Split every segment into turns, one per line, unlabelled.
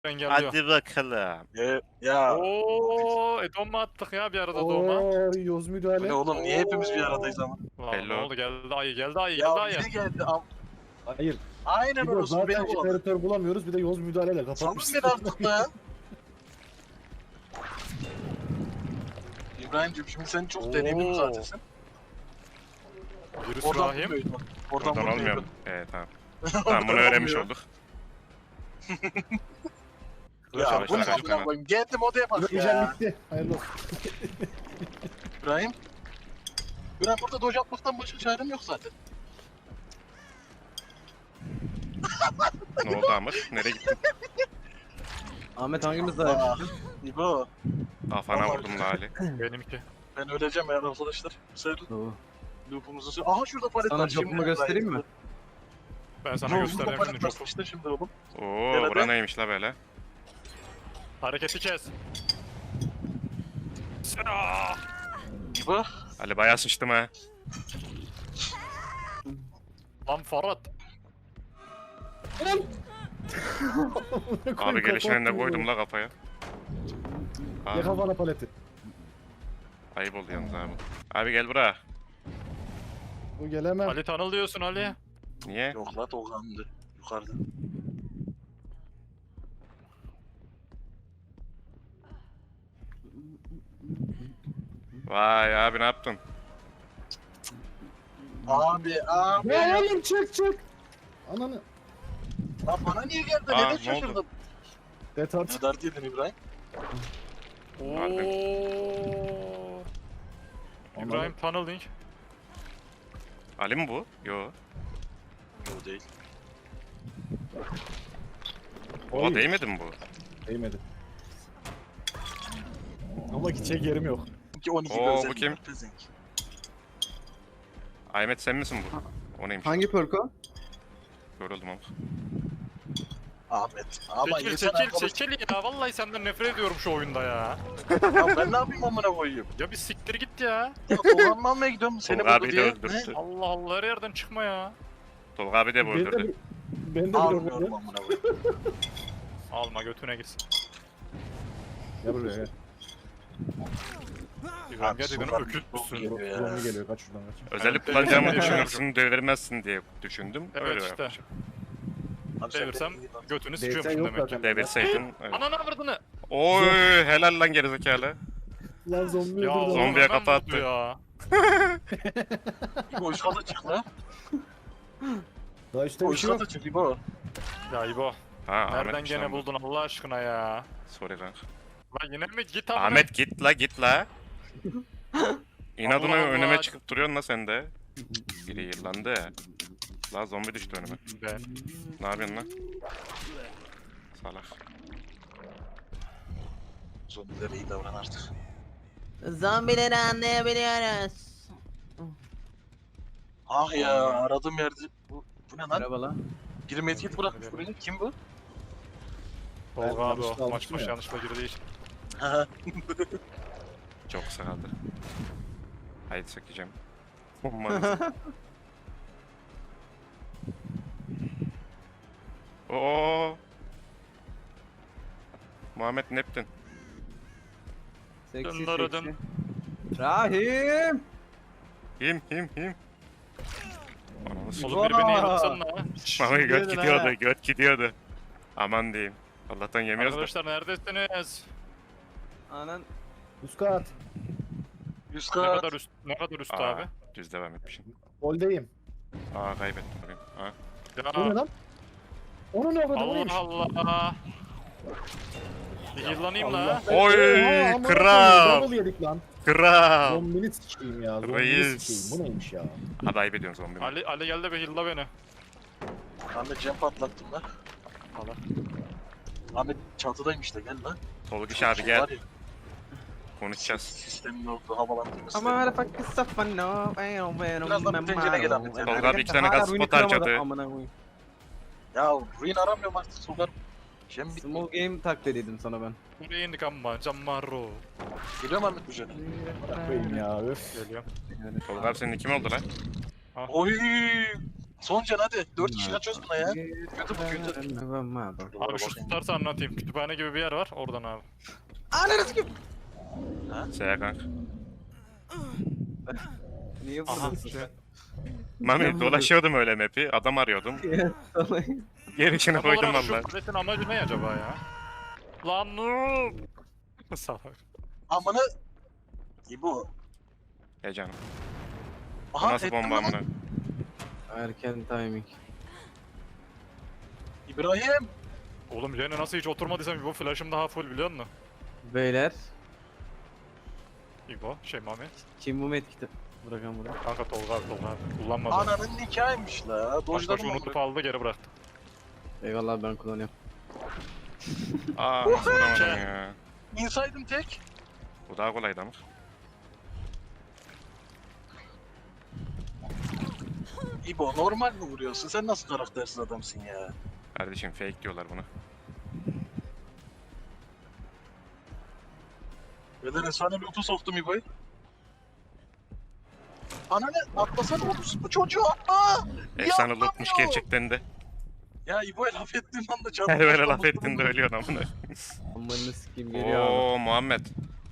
engelliyor.
Hadi bakalım.
Ya
Ooo Edom mu attık ya bir arada doğuma?
Ooo yoz
bu
müdahale.
ne oğlum, niye hepimiz bir aradayız ama?
Lan ne
Hello.
oldu geldi ayı geldi ayı
Ya
geldi ayı.
bize geldi
Hayır.
Aynen
Bir de
orası
zaten
beni buladı.
jeneratör bulamıyoruz bir de yoz müdahaleyle
Salın
kapatmışsın.
beni artık da. İbrahim'cim şimdi sen çok deneyimli
Oo.
zaten sen.
Virüs
Oradan
rahim.
bulmuyordu.
Oradan
bulmuyordu.
olmuyor mu? Tamam. Tamam bunu öğrenmiş olduk.
Ya bu ne
Başla,
amına koyayım? Geldim odaya bak
Yiyeceğim
ya.
bitti. Hayırlı olsun.
İbrahim. İbrahim burada doge atmaktan başka çarem yok zaten.
Ne oldu Amr? Nereye gittin?
Ahmet hangimiz daha?
Aa, İbo.
Kafana vurdum Lali.
Benimki.
Ben öleceğim ya arkadaşlar. Sen
Oo.
loop'umuzu sür. Aha şurada palet
Sana
var.
jobumu göstereyim mi?
Ben sana
Şurada
göstereyim
palet
şimdi
var
çok.
işte şimdi oğlum.
Oo
Nerede?
bura neymiş la böyle?
Hareketi kes. Aa!
İbo.
Ali bayağı sıçtım ha.
Lan Farhat.
Abi gelişine de koydum la kafaya.
Ya
Abi,
kafana paleti.
ayıp oldu yalnız abi. Abi gel buraya.
Bu gelemem.
Ali tanıl diyorsun Ali.
Niye?
Yok la Tolga'ndı. Yukarıda.
Vay abi ne yaptın?
Abi.
Ya oğlum çık. Ananı.
Lan bana niye geldi?
Aa,
Neden
ne oldu?
şaşırdın?
Retard.
Ne dert yedin İbrahim?
Harbi.
Ooo. İbrahim tunneling.
Ali mi bu? Yo.
Yok değil.
Oha
Oy.
değmedi mi bu?
Değmedi. Ama gidecek yerim yok.
12
Oo,
gözlerim
bu kim?
var, pezenk.
Ahmet sen misin bu? O neymiş?
Hangi perk o?
Yoruldum ama.
Ahmet. Ama
Çekil
yeter
çekil
arkadaş.
çekil ya. Vallahi senden nefret ediyorum şu oyunda ya.
Ya ben ne yapayım amına koyayım?
Ya bir siktir git ya.
Ya Tolga'nı almaya gidiyorum seni
Tolga
buldu
abi de
diye.
öldürdü.
Allah Allah her yerden çıkma ya.
Tolga abi de bu
Ben de
öldürdü.
ben de bir
Almıyorum
öldürdüm.
amına koyayım.
Alma götüne gitsin.
Gel buraya gel.
İbrahim
Abi,
gerçekten
sokağa
öküz
bir
müsün?
geliyor ya.
Zombi geliyor kaç şuradan kaç.
Özellik
Evet,
kullanacağımı
evet.
düşünürsün, devirmezsin diye düşündüm.
Evet
Öyle
işte.
yapmışım.
Abi sen
Devirsem
beni iyi lan.
götünü
DS'e
sıkıyormuşum
yok
demek ki.
zaten.
Devirseydin. Evet.
Ananı avradını.
Oy helal lan gerizekalı.
Lan zombi
Ya
öldürdü.
Zombiye
hemen
kafa
vurdu
attı.
ya.
İbo üst kata çık la.
Daha işte
O
bir
üst
şey yok.
kata çık İbo.
Ya İbo.
Ha Ahmet
Nereden gene buldun Allah aşkına ya.
Sorry kanka.
Lan yine mi git amına.
Ahmet git la. İnadına
Allah
önüme
Allah.
çıkıp duruyorsun la sen de. Biri yırlandı. La zombi düştü önüme.
Ben.
Ne yapıyorsun lan? Salak.
Zombilere iyi davran artık.
Zombileri anlayabiliyoruz.
Ah ya aradığım yerde. Bu ne lan?
Merhaba lan.
Biri medkit bırakmış buraya. Kim bu?
Tolga abi
yanlışlıkla
o. Maç
almıştım
maç
ya.
yanlışla girdiği için.
Haha.
Çok sıkıldı. Haydi sökeceğim. Umarım. Oo. Muhammed Neptün.
Seksi
Dındırıdım.
seksi. Rahim.
Him. Ananı s***.
Oğlum biri beni
Vaa.
yaratsana.
Mami göt
Gidin
gidiyordu,
ha.
göt gidiyordu. Aman diyeyim. Allah'tan yemiyoruz da.
Arkadaşlar neredesiniz?
Anan.
Üst kat.
Üst
Ne
kat.
kadar üst, ne kadar üst
Aa,
abi?
düz devam etmişim.
Goldeyim.
Aa kaybettim bugün. Ha.
Bu ne
Ya
lan? Onun ne kadar neymiş?
Allah Allah. Bir yıllanayım la.
Oy,
Oha, aman
kral.
Allah'ım, double yedik lan.
Kral.
Zombini sikeyim ya. Zombini
Reis.
sikeyim. Bu neymiş ya?
Hadi ayıp ediyorsun zombi.
Ali gel de bir yılla beni.
Ahmet cam patlattım lan.
Allah.
Ahmet çatıdaymış da gel lan.
Tolga abi gel.
Var ya,
Konuşacağız.
sistemin orada havalandırması.
Ama her fucking stuff I know.
Birazdan bir tencere gel Ahmet.
Tolga abi 2 tane gaz spot harcadı.
Amına koyayım.
Ya ruin aramıyorum artık sokarım. Cem bitti.
Small game taklit dedim sana ben.
Buraya indik ama Cammarro.
Geliyor mu Ahmet bu jene?
Koyayım ya öf.
Geliyorum.
Tolga abi senin kim oldu lan?
Oy! Son can hadi. 4 kişi kaçıyoruz buna ya. Kötü bu kötü.
Abi şu tutarsa anlatayım. Kütüphane gibi bir yer var. Oradan abi.
Ananı sikim.
Seya kanka.
Niye
Aha.
vuruyorsun?
Mami dolaşıyordum öyle map'i. Adam arıyordum. Gerisini koydum
Ama
valla.
şu kuletin amacı ne acaba ya? Lan noob! Salak.
Amına. İbo.
Ya canım. Bu
Aha
nasıl
ettim
bomba
lan.
amına?
Erken timing.
İbrahim.
Oğlum Jen'e nasıl hiç oturmadıysam bu flash'ım daha full biliyor musun?
Beyler.
İbo, Mami.
Kim bu medkit'i? Bırakan buraya.
Kanka Tolga abi. Kullanmadı.
Ananın nikahıymış la.
Başbaşı
Dojladım
unutup
onu.
aldı geri bıraktı.
Eyvallah ben kullanıyorum.
Aa nasıl vuramadım ya.
İnsaydım tek.
Bu daha kolaydı ama.
İbo normal mi vuruyorsun? Sen nasıl karaktersiz adamsın ya?
Kardeşim fake diyorlar buna.
Beden efsane loot'u soktum İbo'yu. Ananı atlasana bu çocuğu atla!
Efsane
Yapma
lootmuş
ya!
gerçekten de.
Ya İbo'ya laf ettiğim anda canım.
Her böyle laf ettiğinde ölüyorsun amına.
Amanı sikim geliyor abi.
Oo Muhammed.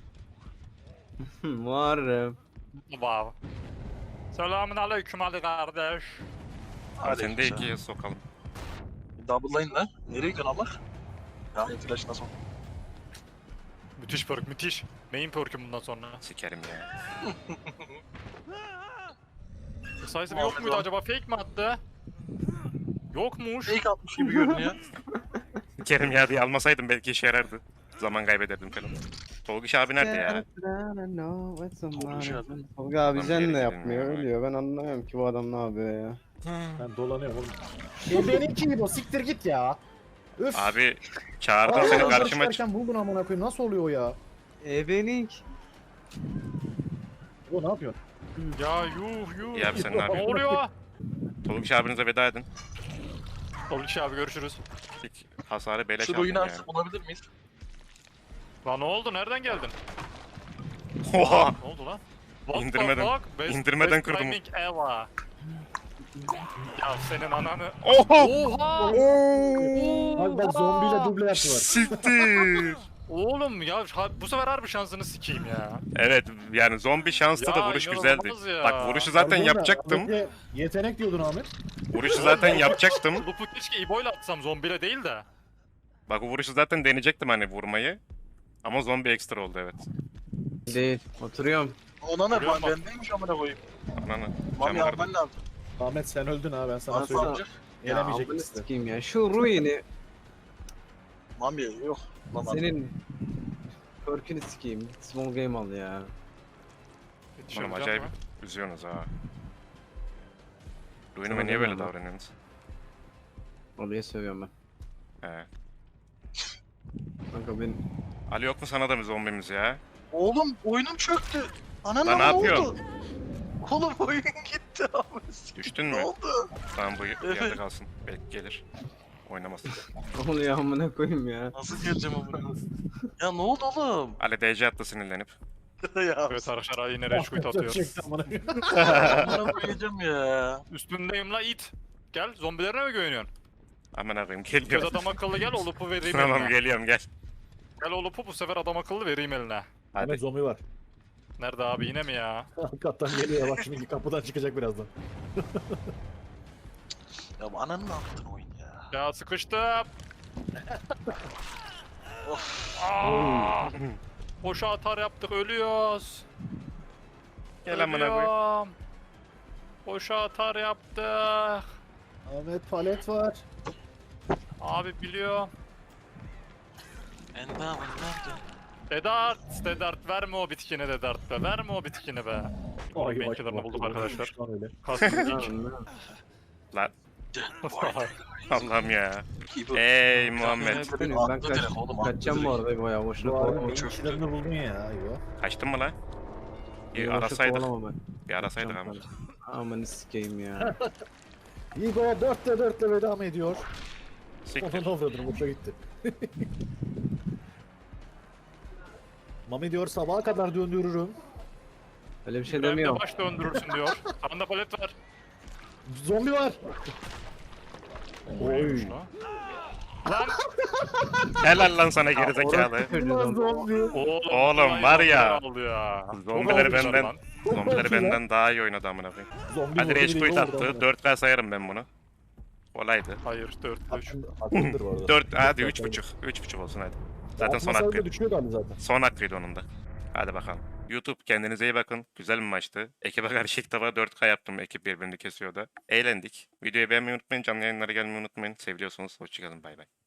Muharrem.
Wow. Selamun aleyküm Ali kardeş.
Seni de ikiye sokalım.
Double'layın lan. Nereye gidiyorsun ama? Ya flash nasıl?
Müthiş perk, müthiş. Main perk'üm bundan sonra.
Sikerim ya.
Sayısı yok muydu acaba? Fake mi attı? Yokmuş.
Fake atmış gibi görünüyor.
Sikerim ya diye almasaydım belki işe yarardı. Zaman kaybederdim falan. Tolgiş abi nerede ya?
Tolga abi.
Tolga abi
Adam
Jen
geri
ne
gidelim
yapmıyor?
ya.
Ölüyor. Ben anlamıyorum ki bu adam ne yapıyor ya.
Ben dolanıyorum oğlum. Benimki gibi o siktir git ya. Üf.
Abi çağırdım seni karşıma çık.
çıkarken buldun amına koyayım. Nasıl oluyor o ya?
Ebening.
O ne yapıyorsun?
Ya yuh.
İyi abi sen ne
Ne
yapıyorsun?
oluyor?
Tolgiş abinize veda edin.
Tolga abi görüşürüz.
İlk hasarı beleş
Şu
aldın
oyunu
ya.
artık bulabilir miyiz?
Lan ne oldu? Nereden geldin?
Oha!
Ne oldu lan? What the
İndirmeden-
fuck?
indirmeden
best
kırdım.
timing ever. Ya senin ananı...
Oha!
Oha!
Bak bak zombiyle duble yaptılar.
Siktir!
Oğlum ya bu sefer harbi şansını sikeyim ya.
Evet yani zombi şanslı da
Ya,
vuruş
inanılmaz
güzeldi.
ya.
Bak vuruşu zaten
Pardon da,
yapacaktım.
Ahmet'e Yetenek diyordun Ahmet.
Vuruşu zaten yapacaktım.
Lupu keşke İbo'yla atsam zombiyle değil de.
Bak o vuruşu zaten deneyecektim hani vurmayı. Ama zombi ekstra oldu evet.
Değil. Oturuyorum.
Ona ne?
Görüyor musun?
Bendeymiş amına koyayım.
Ananı.
Mami
Cam
alman
kırdım.
lazım.
Ahmet sen öldün ha ben sana
Bana
söyleyeyim.
savcı.
Ya
Gelemeyecek
amını
işte.
sikeyim ya. Şu ruini
Mami yok. Lan abi.
senin perk'ünü sikeyim. Git small game al ya.
Oğlum
Yetişemeyeceğim
acayip
mi?
üzüyorsunuz ha. Ruinime
Sana
niye böyle
demiyorum ben.
davranıyorsunuz?
Oraya seviyorum ben.
He.
Kanka ben
Ali yok mu sana da bir zombimiz ya?
Oğlum oyunum çöktü. Ananı
Lan ne yapıyorsun?
oldu? Oğlum oyun gitti abi.
Düştün
Ne
mü?
oldu?
Tamam bu yerde
Evet.
kalsın. Belki gelir. Oynamasın.
ne oluyor amına koyayım ya.
Nasıl geleceğim amına? Ya ne oldu oğlum?
Ali DC attı sinirlenip.
ya
Evet arkadaşlar yine rage quit atıyor.
Çekti amına.
amına koyacağım ya.
Üstündeyim la it. Gel zombilerine mi güveniyorsun?
Aman akıyım
Göz
geliyor.
adam akıllı gel o lupu vereyim
Tamam
eline.
geliyorum gel.
Gel o lupu bu sefer adam akıllı vereyim eline.
Hadi.
Ahmet zombi var.
Nerede abi yine mi ya?
Hakikaten geliyor bak şimdi kapıdan çıkacak birazdan.
Ya bu ananı ne yaptın oyun ya?
Ya sıkıştım.
Of.
Aa! Boşa atar yaptık ölüyoruz.
Gel amına koyayım.
Ölüyorum. Boşa atar yaptık.
Ahmet palet var.
Abi biliyorum.
Endamın nerede?
Dedart verme o bitkini Dedart be. Verme o bitkini be. Oğlum benkilerini bulduk arkadaşlar.
Şu an öyle.
Kastım
Lan Allah'ım ya.
İbo.
Ey Muhammed.
Ben kaçacağım bu arada bayağı boşuna
Bu arada
kovalama.
beyin işlerini buldun ya. Yo.
Kaçtın mı lan? Bir
Boşa
arasaydık.
kovalama ben.
Bir arasaydık ama.
Amanı sikeyim ya.
Igor 4'te 4'le veda mı ediyor?
Siktir.
Ona avradım boşa gitti. Mami diyor sabaha kadar döndürürüm.
Öyle bir şey
Ben de
demiyorum.
baş döndürürsün diyor. Sanda palet var.
Zombi var. Oy.
Neymiş lan? Lan
Helal lan sana gerizekalı.
Ulan zombi.
Oğlum var ya.
Aldı ya.
Zombileri
Çok almışlar
benden
lan.
zombileri benden daha iyi oynadı amına koyayım.
Zombi
Hadi
vurdu,
rage
biri
quit
vurdu
attı.
amına.
4K sayarım ben bunu. Kolaydı.
Hayır 4-3.
Hakkındır bu arada.
4 hadi 3.5. 3.5 olsun hadi. Zaten son
Atmasaydın da
hakkıydı.
düşüyor galiba zaten.
Son hakkıydı onun da. Hadi bakalım. YouTube kendinize iyi bakın. Güzel bir maçtı. Ekibe karşı ilk defa 4K yaptım. Ekip birbirini kesiyordu. Eğlendik. Videoyu beğenmeyi unutmayın. Canlı yayınlara gelmeyi unutmayın. Seviyorsunuz. Hoşçakalın. Bay bay.